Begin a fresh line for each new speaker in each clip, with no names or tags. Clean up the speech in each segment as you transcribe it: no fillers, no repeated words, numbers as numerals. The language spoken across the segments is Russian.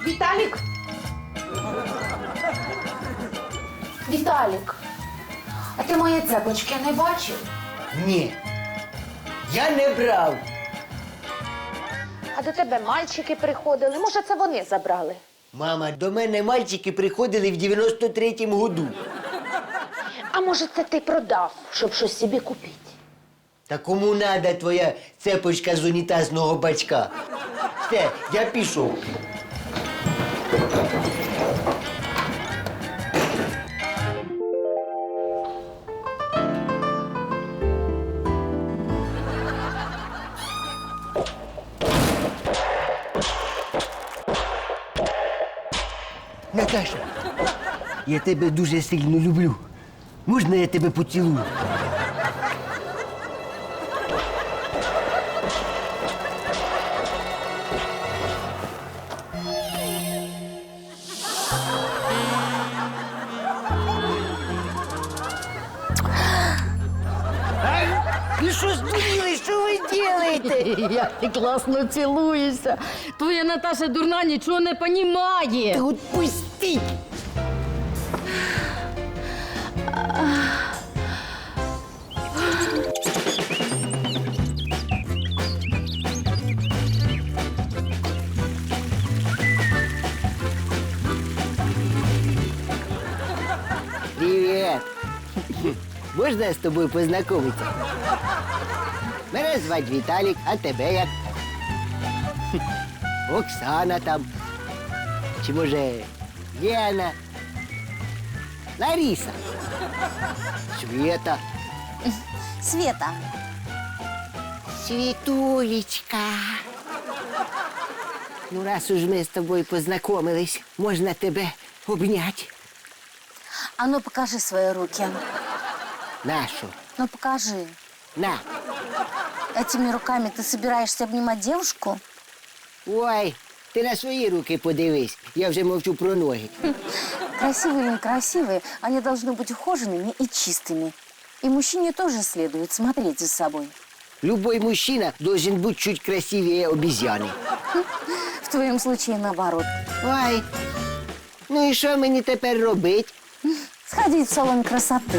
Віталік? Віталік, а ти мої цепочки не бачив?
Ні. Я не брав.
А до тебе мальчики приходили. Може, це вони забрали?
Мама, до мене мальчики приходили в 93-му году.
А може, це ти продав, щоб щось собі купити?
Та кому надо твоя цепочка з унітазного бачка? Все, я пішов. Наташа, я тебе дуже сильно люблю. Можна я тебе поцілую? Ви що здуріли? Що ви робите?
Як ти класно цілуєшся. Твоя Наташа дурна нічого не понімає.
Та отпустіть! Привет! Можна з тобою познайомитися? Мене звати Віталік, а тебе як? Оксана там. Чи може Лена? Лариса? Света?
Света.
Світулечка. Ну, раз уж ми з тобою познайомились, можна тебе обняти.
А ну покажи свои руки.
Нашу.
Ну покажи.
На.
Этими руками ты собираешься обнимать девушку?
Ой, ти на свої руки подивись. Я вже мовчу про ноги.
Красивые или некрасивые, они должны быть ухоженными и чистыми. И мужчине тоже следует смотреть за собой.
Любой мужчина должен быть чуть красивее обезьяны.
В твоем случае наоборот.
Ой, ну і що мені тепер робити?
Сходить в салон красоты.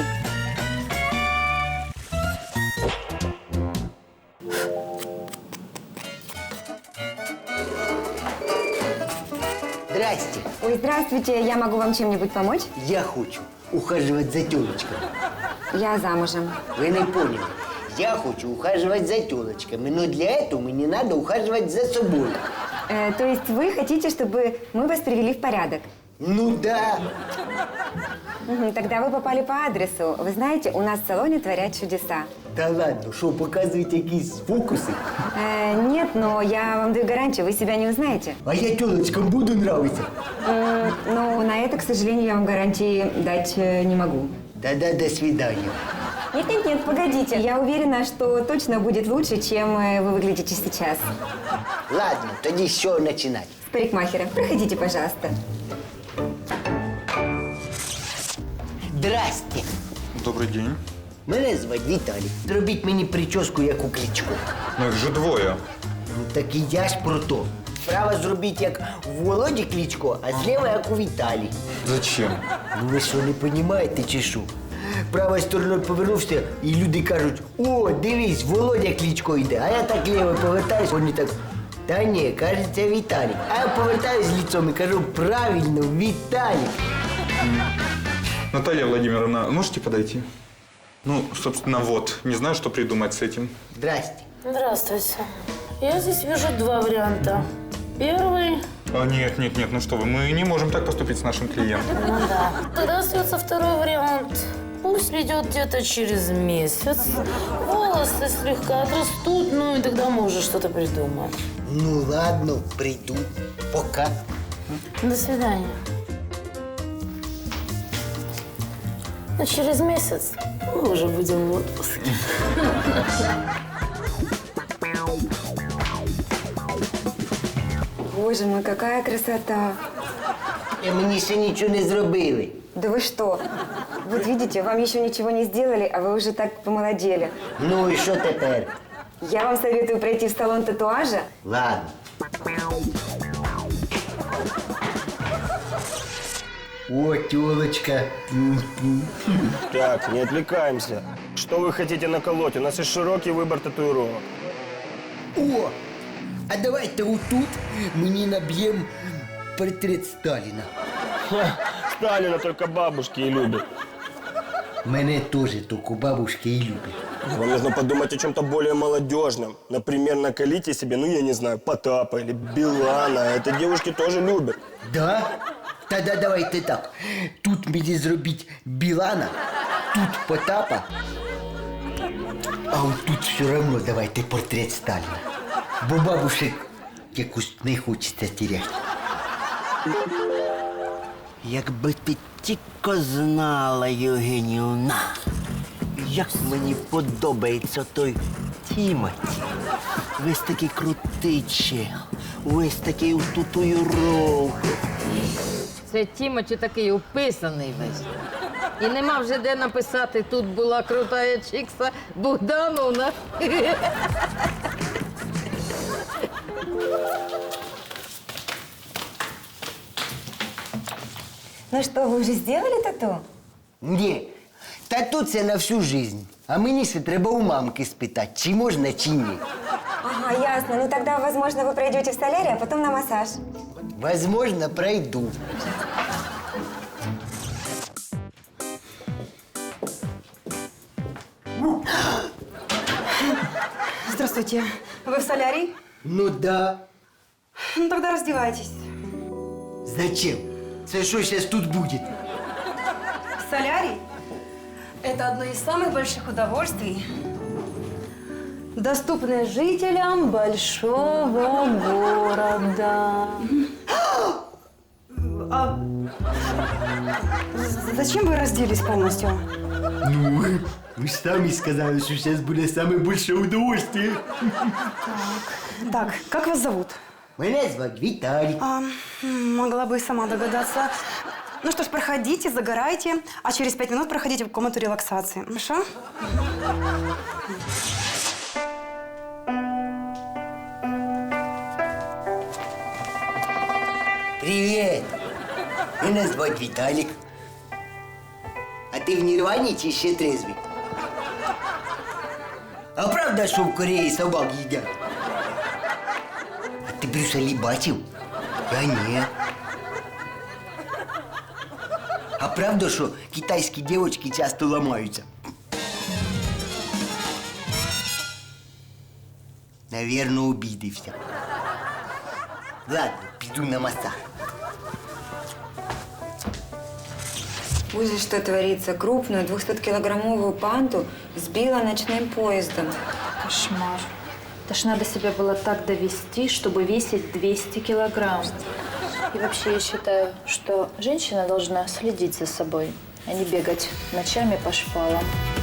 Здрасте.
Ой, здравствуйте, я могу вам чем-нибудь помочь?
Я хочу ухаживать за тёлочками.
Я замужем.
Вы не поняли. Я хочу ухаживать за тёлочками, но для этого мне надо ухаживать за собой.
То есть вы хотите, чтобы мы вас привели в порядок?
Ну да.
Тогда вы попали по адресу. Вы знаете, у нас в салоне творят чудеса.
Да ладно, что, показывать якісь фокусы?
Нет, но я вам даю гарантию, вы себя не узнаете.
А я тёлочкам буду нравиться.
Но на это, к сожалению, я вам гарантии дать не могу.
Да-да, до свидания.
Нет, погодите. Я уверена, что точно будет лучше, чем вы выглядите сейчас.
Ладно, тоді з чого починати?
С парикмахера. Проходите, пожалуйста.
Здрасте.
Добрий день.
Мене звати Віталій. Зробіть мені прическу, як у Кличко.
Ну їх же двоє.
Ну так і я ж про то. Справа зробіть, як у Володі Кличко, а зліва, як у Віталі.
Зачем?
Ну ви що, не розумієте чи що? Правою стороною повернувся, і люди кажуть: о, дивись, Володя Кличко йде. А я так ліво повертаюсь, вони так: та ні, кажеться, Віталік. А я повертаюсь лицом і кажу: правильно, Віталік.
Наталья Владимировна, можете подойти? Ну, собственно, вот. Не знаю, что придумать с этим.
Здрасте.
Здравствуйте. Я здесь вижу два варианта. Первый...
А, нет, ну что вы, мы не можем так поступить с нашим клиентом.
Ну да. Тогда остается второй вариант. Пусть придет где-то через месяц. Волосы слегка отрастут, ну и тогда мы уже что-то придумаем.
Ну ладно, приду. Пока.
До свидания. Но через месяц мы уже будем в отпуске.
Боже мой, какая красота.
Мені ще нічого не зробили.
Да вы что? Вот видите, вам еще ничего не сделали, а вы уже так помолодели.
Ну і що тепер?
Я вам советую пройти в салон татуажа.
Ладно. О, тёлочка.
Так, не отвлекаемся. Что вы хотите наколоть? У нас есть широкий выбор татуировок.
О, а давайте отут мені наб'ємо портрет Сталіна.
Сталина только бабушки и любят.
Мене теж тільки бабушки і люблять.
Вам нужно подумать о чем-то более молодежном. Например, наколите себе, ну я не знаю, Потапа или Билана. Это девушки тоже любят.
Да? Тогда давайте так. Тут мені зробіть Білана, тут Потапа, а от тут все одно давайте портрет Сталіна. Бо бабушек якось не хочеться теряти.
Якби ти тільки знала, Євгенівна, як мені подобається той Тімоті. Весь такий крутий чел, весь такий у татуїровку.
Це Тімоті такий уписаний весь. І нема вже де написати, тут була крутая чикса Богдановна.
Ну что, вы уже сделали тату?
Ні, тату це на всю жизнь. А мені ще треба у мамки спитати, чи можна, чи ні.
Ага, ясно. Ну тогда, возможно, вы пройдете в солярий, а потом на массаж.
Возможно, пройду.
Здравствуйте. Вы в солярий?
Ну да.
Ну тогда раздевайтесь.
Зачем? Це що зараз тут буде?
Солярий – это одно из самых больших удовольствий, доступное жителям большого города. А зачем вы разделись полностью?
Ну, ви ж самі сказали, що зараз буде саме більше удовольствие.
Так, как вас зовут?
Мене звати Віталік.
Могла бы и сама догадаться. Ну что ж, проходите, загорайте, а через 5 минут проходите в комнату релаксации. Хорошо?
Привіт! Мене звати Віталік. А ти в Нірвані чи ще трезвий? А правда, що в Кореї собак їдять? А ти Брюса Лі бачив? Я ні. А правда, що китайські дівчатки часто ламаються? Навірно, обідився. Ладно, піду на масаж.
Ужас, что творится. Крупную 200-килограммовую панду сбила ночным поездом.
Кошмар. Это ж надо себя было так довести, чтобы весить 200 килограмм. И вообще я считаю, что женщина должна следить за собой, а не бегать ночами по шпалам.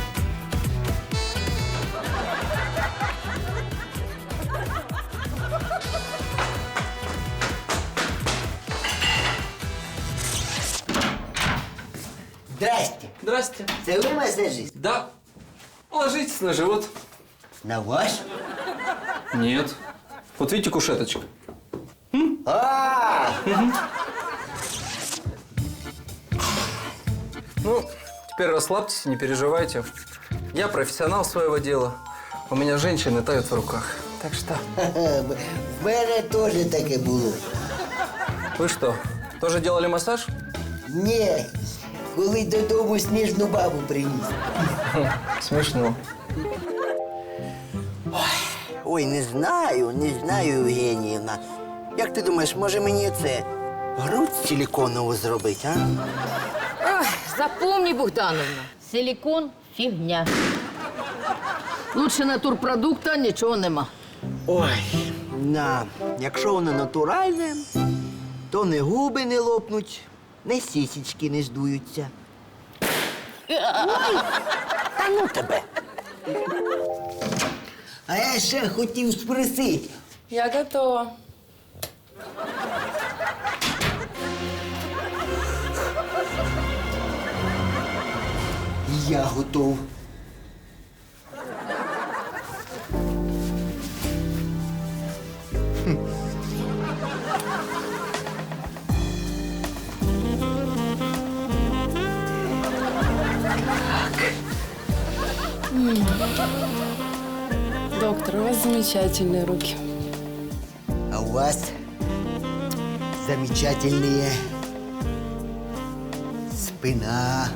Здрасте.
Здрасте.
Це ви масажист?
Да. Ложитесь на живот.
На ваш?
Нет. Вот видите кушеточка?
А!
Ну, теперь расслабьтесь, не переживайте. Я профессионал своего дела. У меня женщины тают в руках. Так что...
В мене теж таке було.
Вы что, тоже делали массаж?
Ні, коли додому сніжну бабу приніс.
Смешно.
Ой, не знаю, Євгенівна. Як ти думаєш, може мені це грудь силіконову зробити, а?
Ой, запомни, Богдановна, силікон – фігня. Лучше натурпродукта нічого нема.
Ой, якщо воно натуральне, то не губи не лопнуть, не сісічки не здуються. Ой, та ну тебе.
А я ще хотів спросити.
Я готова.
Я готов.
Доктор, у вас замечательные руки.
А у вас замечательные спина.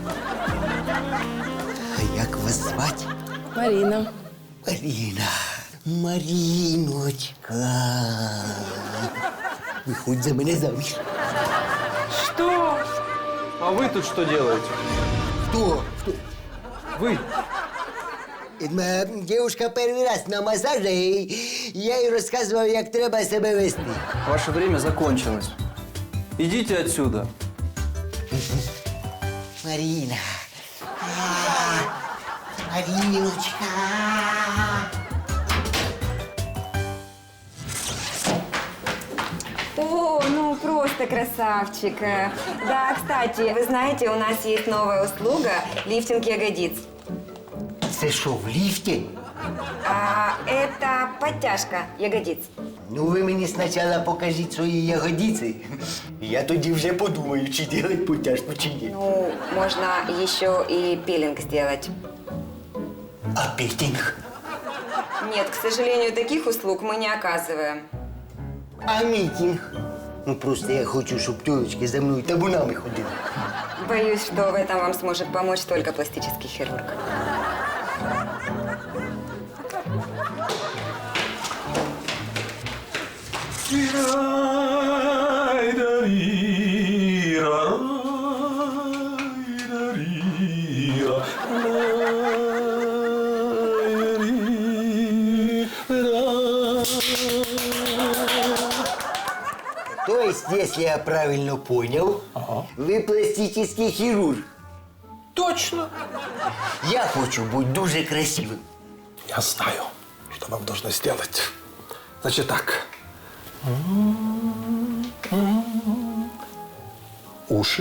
А як вас звати?
Марина.
Марина. Мариночка. Виходь за мене заміж.
Что? А вы тут что делаете?
Хто? Хто?
Вы?
Моя дівчинка перший раз на масажі, і я їй розказував, як треба себе вести.
Ваше время закончилось. Идите отсюда.
Марина. Мариночка.
О, ну просто красавчик. Да, кстати, вы знаете, у нас есть новая услуга – лифтинг ягодиц.
Це що, в ліфті?
Это подтяжка ягодиц.
Ну, ви мені спочатку покажіть свої ягодиці. Я тоді вже подумаю, чи робити потяжку, чи ні.
Ну, можно еще и пилинг сделать.
А петинг?
Нет, к сожалению, таких услуг мы не оказываем.
А мітинг? Ну, просто я хочу, щоб тёлочки за мною табунами ходили.
Боюсь, что в этом вам сможет помочь только пластический хирург.
То есть, если я правильно понял, вы пластический хирург.
Точно.
Я хочу быть дуже красивым.
Я знаю, что вам нужно сделать. Значит так. Уши.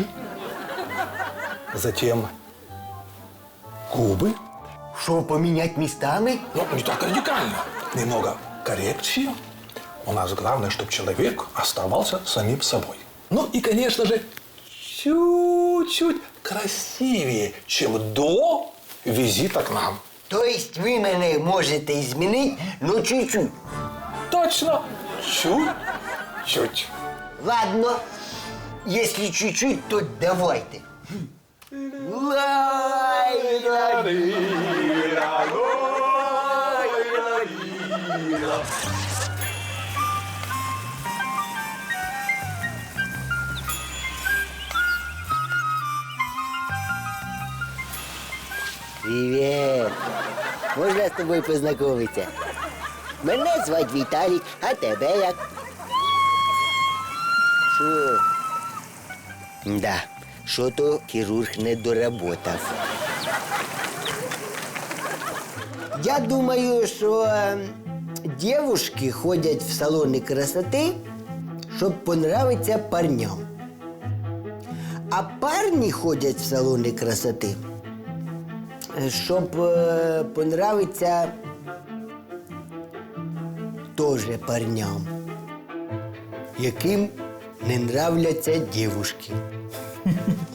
Затем губы.
Что, поменять местами?
Ну, не так радикально. Немного коррекции. У нас главное, чтобы человек оставался самим собой. Ну и, конечно же, чуть-чуть красивее, чем до визита к нам.
То есть вы меня можете изменить, но чуть-чуть?
Точно. Чуть-чуть.
Ладно. Если чуть-чуть, то давайте. Привет. Можна з тобою познайомитися? Мене звати Віталік, а тебе як? Що? Да, що-то хірург не доработав. Я думаю, що дівчатки ходять в салони красоти, щоб понравитися парням. А парні ходять в салони красоти, щоб понравитися теж парням, яким не нравляться дівчатки.